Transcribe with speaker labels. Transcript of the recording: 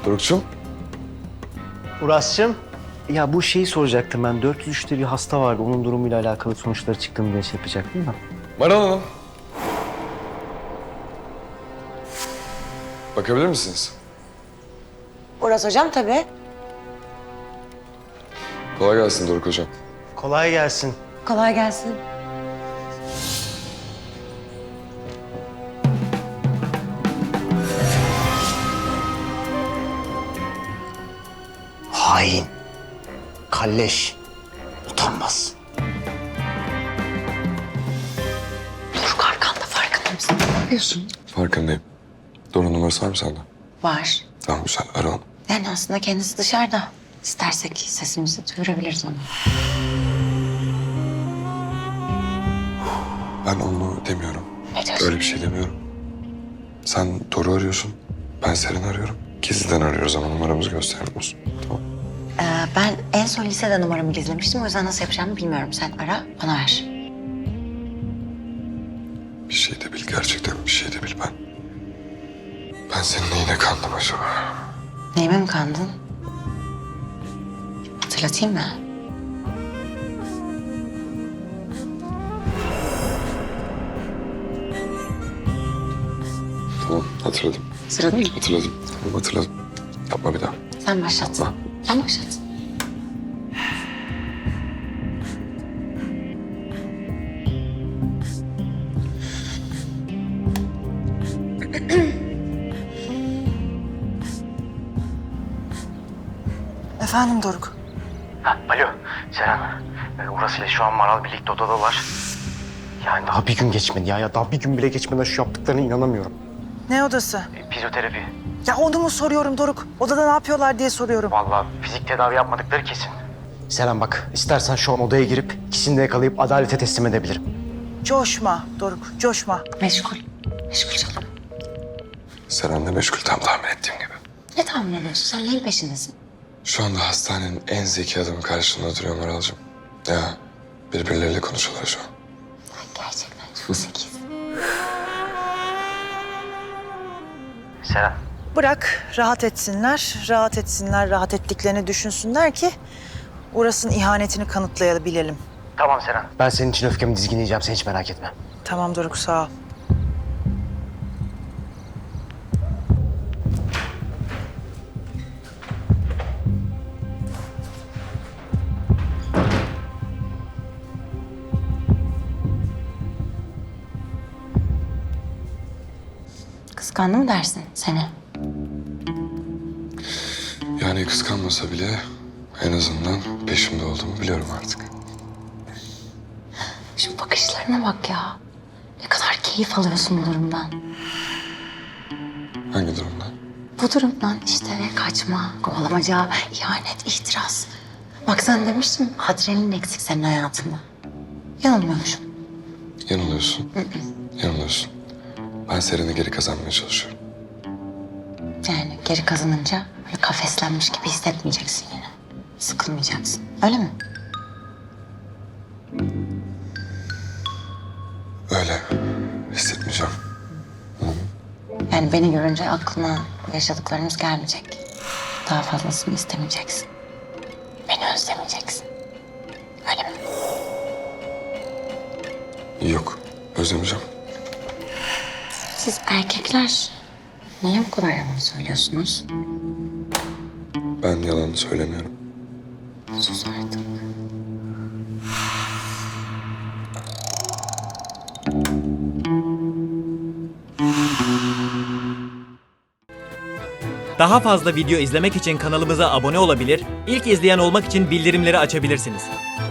Speaker 1: Doruk'cum.
Speaker 2: Uras'cığım. Ya bu şeyi soracaktım ben. 403'te bir hasta vardı. Onun durumuyla alakalı sonuçları çıktığını diye şey yapacaktım da.
Speaker 1: Maral Hanım. Bakabilir misiniz?
Speaker 3: Uras hocam tabii.
Speaker 1: Kolay gelsin Doruk hocam.
Speaker 2: Kolay gelsin.
Speaker 3: Kolay gelsin.
Speaker 2: Hain. Kalleş. Utanmaz.
Speaker 3: Doruk arkanda farkında mısın? Ne yapıyorsun?
Speaker 1: Farkındayım. Doruk'un numarası var mı sende?
Speaker 3: Var.
Speaker 1: Tamam güzel, ara onu.
Speaker 3: Yani aslında kendisi dışarıda. İstersek sesimizi duyurabiliriz ona.
Speaker 1: Ben onu demiyorum.
Speaker 3: Ne diyorsun?
Speaker 1: Öyle bir şey demiyorum. Sen Doruk'u arıyorsun. Ben Seren'i arıyorum. Gizliden arıyoruz ama numaramızı göstermiyorsun. Tamam.
Speaker 3: Ben en son lisede numaramı gizlemiştim. O yüzden nasıl yapacağımı bilmiyorum. Sen ara, bana ver.
Speaker 1: Bir şey de bil, gerçekten bir şey de bil ben. Ben senin neyine kandım acaba?
Speaker 3: Neyime mi kandın? Hatırlatayım mı?
Speaker 1: Tamam, hatırladım.
Speaker 3: Sıradın mı?
Speaker 1: Hatırladım. Tamam, hatırladım. Yapma bir daha.
Speaker 3: Sen başlat.
Speaker 1: Yapma.
Speaker 3: Sen başlat.
Speaker 4: Efendim Doruk.
Speaker 2: Alo Seren. Uras ile şu an Maral birlikte odadalar. Yani daha bir gün geçmedi ya. Daha bir gün bile geçmeden şu yaptıklarına inanamıyorum.
Speaker 4: Ne odası?
Speaker 2: Fizyoterapi.
Speaker 4: Ya onu mu soruyorum Doruk? Odada ne yapıyorlar diye soruyorum.
Speaker 2: Vallahi fizik tedavi yapmadıkları kesin. Seren bak, istersen şu an odaya girip ikisini de yakalayıp adalete teslim edebilirim.
Speaker 4: Coşma Doruk, coşma.
Speaker 3: Meşgul. Meşgul canım.
Speaker 1: Seren de meşgul, tam tahmin ettiğim gibi.
Speaker 3: Ne tahmin ediyorsun? Sen neyin peşindesin?
Speaker 1: Şu anda hastanenin en zeki adamı karşında duruyor Maral'cığım. Ya birbirleriyle konuşuyorlar şu an.
Speaker 3: Gerçekten çok zekisin.
Speaker 2: Seren.
Speaker 4: Bırak rahat etsinler, rahat etsinler, rahat ettiklerini düşünsünler ki Uras'ın ihanetini kanıtlayabilelim.
Speaker 2: Tamam Seren. Ben senin için öfkemi dizginleyeceğim, sen hiç merak etme.
Speaker 4: Tamam Doruk, sağ ol.
Speaker 3: Kıskandı mı dersin seni?
Speaker 1: Yani kıskanmasa bile en azından peşimde olduğumu biliyorum artık.
Speaker 3: Şu bakışlarına bak ya. Ne kadar keyif alıyorsun bu durumdan.
Speaker 1: Hangi durumda?
Speaker 3: Bu durumdan işte kaçma, kovalamaca, ihanet, ihtiras. Bak sen demiştin adrenalin eksik senin hayatında. Yanılmıyormuşum.
Speaker 1: Yanılıyorsun. Yanılıyorsun. Ben Seren'i geri kazanmaya çalışıyorum.
Speaker 3: Yani geri kazanınca böyle kafeslenmiş gibi hissetmeyeceksin yine. Sıkılmayacaksın. Öyle mi?
Speaker 1: Öyle hissetmeyeceğim.
Speaker 3: Yani beni görünce aklına yaşadıklarımız gelmeyecek. Daha fazlasını istemeyeceksin. Beni özlemeyeceksin. Öyle mi?
Speaker 1: Yok, özlemeyeceğim.
Speaker 3: Siz erkekler niye bu kadar yalan söylüyorsunuz?
Speaker 1: Ben yalan söylemiyorum.
Speaker 3: Sus artık.
Speaker 5: Daha fazla video izlemek için kanalımıza abone olabilir, ilk izleyen olmak için bildirimleri açabilirsiniz.